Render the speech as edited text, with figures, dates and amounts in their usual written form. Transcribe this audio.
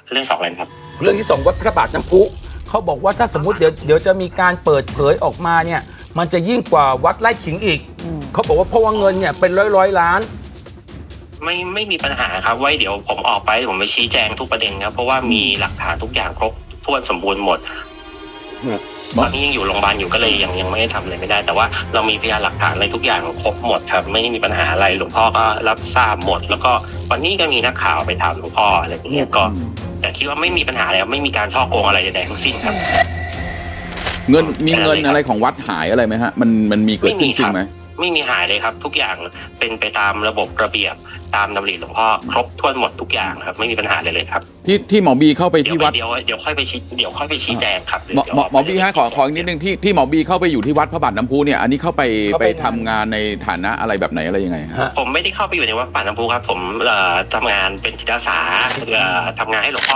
เรื่อง2อะไรครับเรื่องที่2วัดพระบาทน้ำพุเขาบอกว่าถ้าสมมุติเดี๋ยวจะมีการเปิดเผยออกมาเนี่ยมันจะยิ่งกว่าวัดไร่ขิงอีกเขาบอกว่าเพราะว่าเงินเนี่ยเป็นร้อยล้านไม่มีปัญหาครับไว้เดี๋ยวผมออกไปผมไปชี้แจงทุกประเด็นครับเพราะว่ามีหลักฐานทุกอย่างครบถ้วนสมบูรณ์หมดตอนนี้ยังอยู่โรงพยาบาลอยู่ก็เลยยังไม่ได้ทำอะไรไม่ได้ แต่ว่าเรามีพยานหลักฐานอะไรทุกอย่างครบหมดครับไม่มีปัญหาอะไรหลวงพ่อก็รับทราบหมดแล้วก็วันนี้ก็มีนักข่าวไปถามหลวงพ่ออะไรอย่างเงี้ยก็แต่คิดว่าไม่มีปัญหาแล้วไม่มีการช่อโกงอะไรใดๆทั้งสิ้นครับมีเงินอะไรของวัดหายอะไรไหมฮะมันมีเกิดขึ้นจริงไหมไม่มีหายเลยครับทุกอย่างเป็นไปตามระบบระเบียบตามดำริหลวงพ่อครบถ้วนหมดทุกอย่างครับไม่มีปัญหาเลยครับที่หมอบีเข้าไปที่วัดเดี๋ยวค่อยไปชี้แจงครับหมอบีฮะขออีกนิดนึงที่หมอบีเข้าไปอยู่ที่วัดพระบาทน้ำพุเนี่ยอันนี้เข้าไปทำงานในฐานะอะไรแบบไหนอะไรยังไงฮะผมไม่ได้เข้าไปอยู่ในวัดป่าน้ำพุครับผมทำงานเป็นจิตอาสาทำงานให้หลวงพ่อ